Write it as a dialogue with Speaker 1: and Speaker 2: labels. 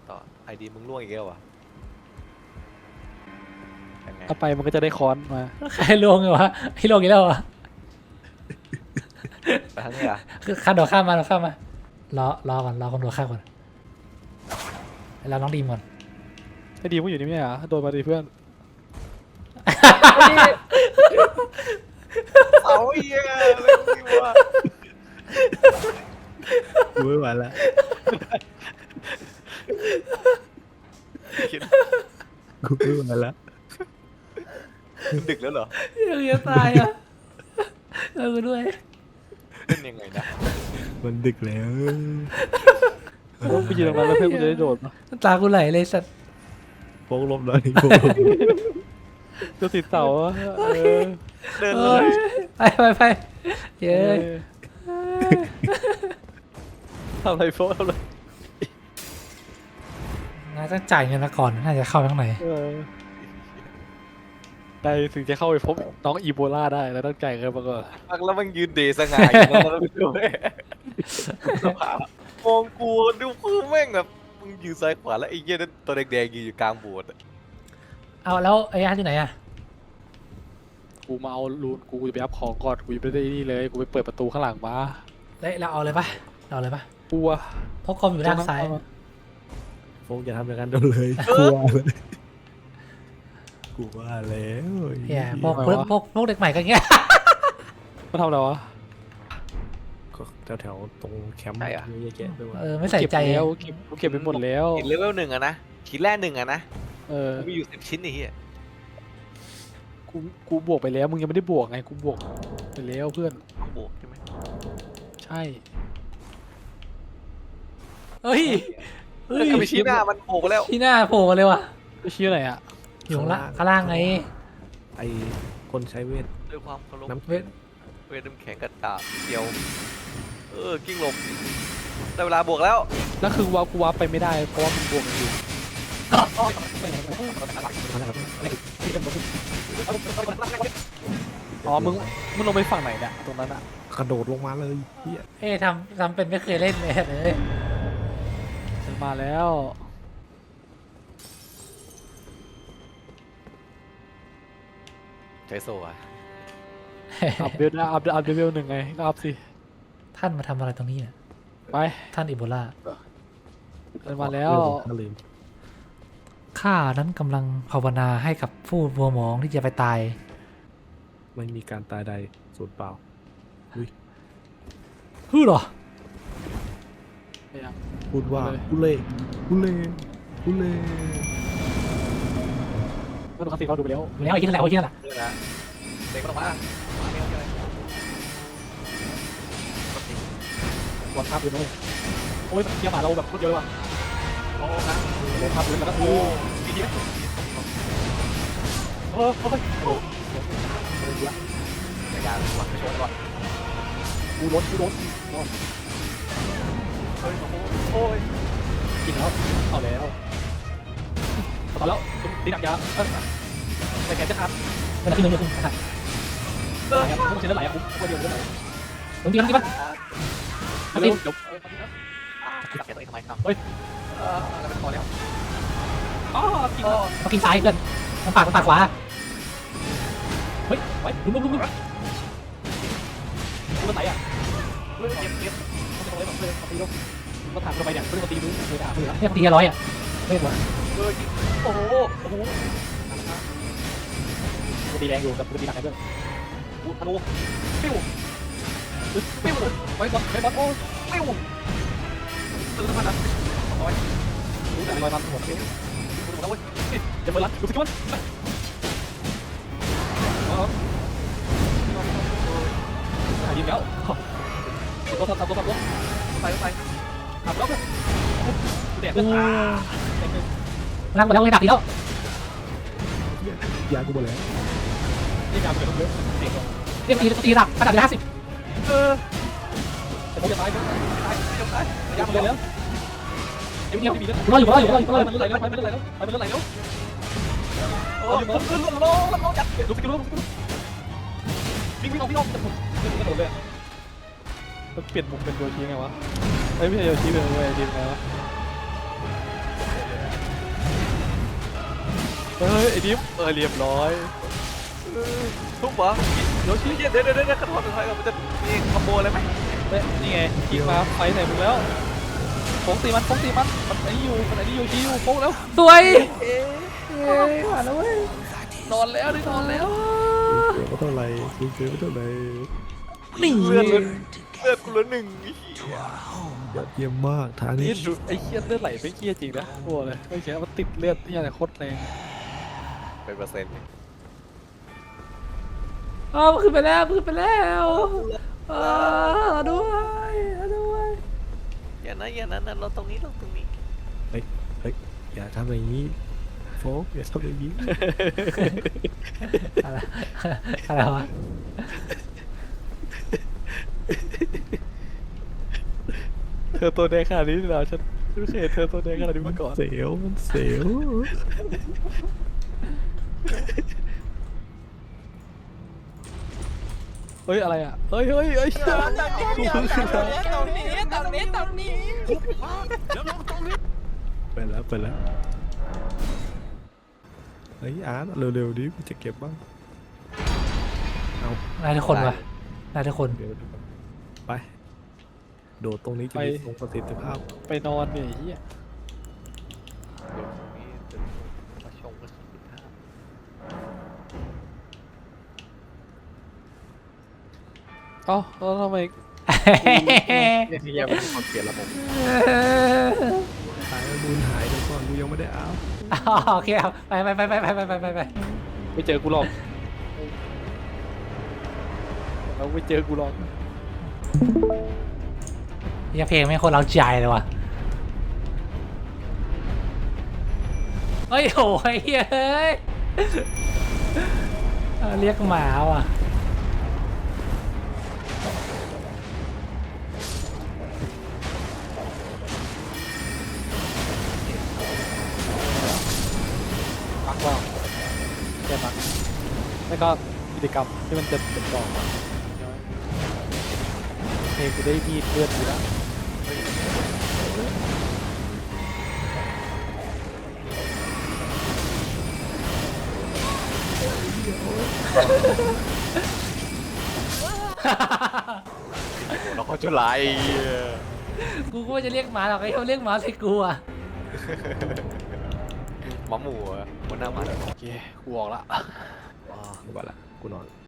Speaker 1: ต่อไอดีมึงล่วงอีกแล้ววะยังไง
Speaker 2: เอาไปมันก็จะได้ค้อนมา
Speaker 3: ใครลวงเหรอวะไอ้ลวงอีกแล้วเหรอ
Speaker 1: ไปทางนี้อ่ะ
Speaker 3: คือข้ามโดดข้ามมารอก่อนรอคนโดดข้ามก่อนแล้วน้องดีมก่อน
Speaker 2: ไอ้ดีมึงอยู่นี่ไม่ใช่เหรอโดนมาดิเพื่อน
Speaker 1: เอาเหี้ยอะไรวะ
Speaker 4: กูไม่ไหวละ
Speaker 1: คิด
Speaker 4: กูไม่ไหวละ
Speaker 1: ดึกแล้วเหรอ
Speaker 3: ยังจะตายอ่ะกูด้วย
Speaker 1: เล่นยังไงนะ
Speaker 4: มันดึกแล้ว
Speaker 2: แล้วไปยืนตรงนั้นแล้วเพื่อนกูจะได้โดดมา
Speaker 3: ตากูไหลเลยสัตว์
Speaker 4: โป๊กลบหน่อยโป๊กลบ
Speaker 2: จะติดเสาอะเออ
Speaker 1: เดิน
Speaker 3: เอ
Speaker 1: เล
Speaker 3: อยไปเย้ย
Speaker 2: ทำอะไรโฟทำอะไร
Speaker 3: น่าจะจ่ายเงินมาก่อนน่าจะเข้าข้างใน
Speaker 2: เออได้ถึงจะเข้าไปพบน้องอีโบลาได้แล้วต้องจ่ายเงินมาก่อน
Speaker 1: พักแล้วมันยืนเดสง่ายอยู่แล้วไม่รู้สภาพมองกูดูคือแม่งแบบมึงยืนซ้ายขวาแล้วไอ้เหี้ยนั่นตัวแดงๆยืนอยู่กลางโบสถ์
Speaker 3: เอาแล้วไอ้ยันที่ไหนอ่ะ
Speaker 2: กูมาเอารูนกูจะไปอัพของก่อนกูยังไม่ได้นี่เลยกูไปเปิดประตูข้างหลังมา
Speaker 3: เราเอาเลยปะเราเลยปะ
Speaker 2: กลัว
Speaker 3: เพราะคอมอยู่ด้านซ้าย
Speaker 4: โป๊กอย่าทำอย่างนั้นโดนเลยกลัวเลยกูว่าแล้ว
Speaker 3: เฮียพวกเด็กใหม่ก็เงี้ย
Speaker 2: มาทำอะไรวะ
Speaker 4: แถวๆตรงแคมป์เยอะแยะไปหมด
Speaker 3: ไม่ใส่ใจ
Speaker 2: เก็บแล้วเก็บไปหมดแล้ว
Speaker 1: หินเลเวลหนึ่งอะนะหินแร่หนึ่งอะนะ
Speaker 2: เออ
Speaker 1: กูมีอยู่10 ชิ้นไอ้เหี้ย
Speaker 2: กูบวกไปแล้วมึงยังไม่ได้บวกไงกูบวกไปแล้วเพื่อน
Speaker 1: ต้องบวกใช่ไหม
Speaker 2: ใช่
Speaker 3: เฮ้ย
Speaker 1: ก็ไปชี้หน้ามันโผล่ไปแล้ว
Speaker 3: ที่หน้าโผล่มาเลยว่ะ
Speaker 2: ไปชี้ไหนอ่ะ
Speaker 3: อยู่ข้างล่างไง
Speaker 4: ไอคนใช้เวท
Speaker 1: ด้วยความเคารพ
Speaker 4: น้ำ
Speaker 3: เวท
Speaker 1: เวทน้ำแข็งกระดาษเดียวกิ้งหลบได้เวลาบวกแล้ว
Speaker 2: แล้วคือว่ากูว่าไปไม่ได้เพราะว่ามันบวกกันอยู่ อ๋อมึงลงไปฝั่งไหนเนี่ยตรงนั้นอ่ะ
Speaker 4: กระโดดลงมาเลยเฮีย
Speaker 3: เอ้ทำเป็นไม่เคยเล่นเลยเลย
Speaker 2: ฉันมาแล้ว
Speaker 1: ใช้โซ่อะ
Speaker 2: อัพเวลนะอัพเวลหนึ่งไงก็อัพสิ
Speaker 3: ท่านมาทำอะไรตรงนี้เนี่ย
Speaker 2: ไป
Speaker 3: ท่านอิโบลา
Speaker 2: ฉันมาแล้ว
Speaker 4: ลืม
Speaker 3: ข้านั้นกำลังภาวนาให้กับผู้มัวหมองที่จะไปตาย
Speaker 4: ไม่มีการตายใดสูญเปล่า
Speaker 3: ฮือเหรอ
Speaker 4: พูดว่ากูเล่กูเล่กูเล่
Speaker 2: ก็ดูคาสิเขาดูไปแล้ว
Speaker 3: อยู่แล้วไอ้ที่นั่นแหละไอ้ที่นั่นแหละ
Speaker 1: เรื่องนะเด็กมันออกมาไม่เอาเลย
Speaker 2: วางภาพอยู่นะโอ้ยเทียบหมาเราแบบรวดเดียวเลยว่ะ
Speaker 1: โอ้นะ
Speaker 2: ลงภาพอยู่แล้วก็โอ้
Speaker 1: ดีดีไหม
Speaker 2: โอ้โห
Speaker 1: ในการวัดไปชมก่อน
Speaker 2: กูโดน
Speaker 1: โอ้ย
Speaker 2: กินแล้วเอาแล้วต่อแล้วตีหนักยาแต่แกจะทับ
Speaker 3: มันขึ้นมันขึ้นนะครับ
Speaker 2: ไหลอ่ะต้องเสียไหลอ่ะกูเดียวไหล
Speaker 3: ตรงที่มันที่มัน
Speaker 2: เร็วเดี๋ยว
Speaker 1: จับแกตัวเองทำไมครับแล้วเป็นพอแล้ว
Speaker 2: อ๋อกิน
Speaker 3: มากินซ้ายเพื่อนมันปากขวา
Speaker 2: เฮ้ยไว้ลุ้มมันไหลอ่ะ
Speaker 1: เก็บ
Speaker 2: ต้องเลยแบบเลยตีลงมาถามทำไมเนี่ยไม่ได้มาตีมึงเลยด่ามึงเหรอ
Speaker 3: เนี่ยตี100อ่ะไม่หมด
Speaker 1: โอ้โห
Speaker 2: กูตีแรงอยู่กับกูตีหนักเพื่อน
Speaker 1: ธนูปิ้ว
Speaker 2: ไว้บอลโอ้
Speaker 1: ปิ้วตื่นมาแล้วร้อย
Speaker 2: รู้แต่ลอยมันหัวเกี้ยว
Speaker 1: แล้วเว้ย
Speaker 2: จะเปิดร้านดูสิมันหายยิงแล้วตัวทำตัว
Speaker 1: ไปไป
Speaker 2: ทำแล้วแดด
Speaker 3: ร่างหมดแล้วไม่ดับอีกแล้ว
Speaker 4: ยากูหมดแล้ว
Speaker 2: นี่งานเกิดเยอะเด็ก
Speaker 3: เรียกตีดับระดับ50
Speaker 2: แต่ผมจะตายยากเลยแล้วเดี๋ยวมีเรื่อง
Speaker 3: รออยู่
Speaker 2: มันไหลแล้วมันไหลแล้ว
Speaker 1: โอ้ยขึ้นลงจัด
Speaker 2: ลุกขึ้นวิ่งออกจะหมดกระโดดเลยเปลี่ยนมุมเป็นโยชิไงวะไม่ใช่โยชิเป็นโยชิไงวะไอ้ดิฟเรียบร้อย
Speaker 1: ทุบเหรอ
Speaker 2: โยชิ
Speaker 1: เดี๋ยวกระโดดถอยก่อนมันจะมีคอมโบอะไรไหม
Speaker 2: นี่ไงยิงมาไฟใส่มึงแล้วโค้งตีมันมันไอ้อยู่โยชิอยู่โค้งแล้ว
Speaker 3: สวยผ่านแล้วเว้ย
Speaker 2: นอนแล้วนอนแล้ว
Speaker 4: เสียไม่เท่าไหร่คุณเสียไม่เท่าไหร่
Speaker 3: นี่
Speaker 1: เลือดกูเหลือหนึ่ง
Speaker 4: ยอดเยี่ยมมากทางนี้
Speaker 2: นี่ไอ้เคียเลือดไหลไม่เคียจริงนะกลัวเลยไม่เคียมันติดเลือดที่อะไรโคตรแรง
Speaker 1: เป็นเปอร์เซ็นต์
Speaker 3: มันขึ้นไปแล้วเราด้วย
Speaker 1: อย่านะเราตรงนี้
Speaker 4: เฮ้ยอย่าทำอย่างนี้โฟกอย่าทำอย่างนี้
Speaker 3: อะไรวะ
Speaker 2: เธอตัวแดงขนาดนี้เหรอฉันไม่เคยเห็นเธอตัวแดงขนาดนี้มาก่อน
Speaker 4: เสียวมันเสียว
Speaker 2: เฮ้ยอะไรอ่ะเฮ้ย
Speaker 4: ไปแล้วเฮ้ยอาร์ตเร็วๆดิกูจะเก็บบ้างเอา
Speaker 3: นายทุกคนวะนายทุกคน
Speaker 4: เดี๋ยวไปโดดตรงนี้จะมีทรงประสิทธิภาพ
Speaker 2: ไปนอนเนี่ยเฮีย
Speaker 1: มาชงกันสิบห้า
Speaker 2: อ๋อแล้วทำไม
Speaker 1: เนี่ยเป็นคนเปลี่ยนระบบ
Speaker 4: ตายแล้วมูลหายเดี๋ยวก่อนกูยังไม่ได้เอา
Speaker 3: โอเคเอาไป
Speaker 2: ไม่เจอกูหรอกเราไม่เจอกูหรอก
Speaker 3: ยังเพลงไม่คนเราใจเลยว่ะเฮ้ยโอ้ยเฮ้ยเรียกหมาว่ะ
Speaker 2: มักว่าแค่มักแล้วก็กิจกรรมที่มันจะเป็นต่อมาเพลงกูได้มีดเลือดอยู่แล้ว
Speaker 1: เราเขาจะไล่
Speaker 3: กูก็ว่าจะเรียกหมาหรอกไอ้เขาเรียกหมาใส่กูอ่ะ
Speaker 1: หมาหมูคนหน้าหมา
Speaker 2: โอเคกูออกละ
Speaker 4: กูไปละกูนอน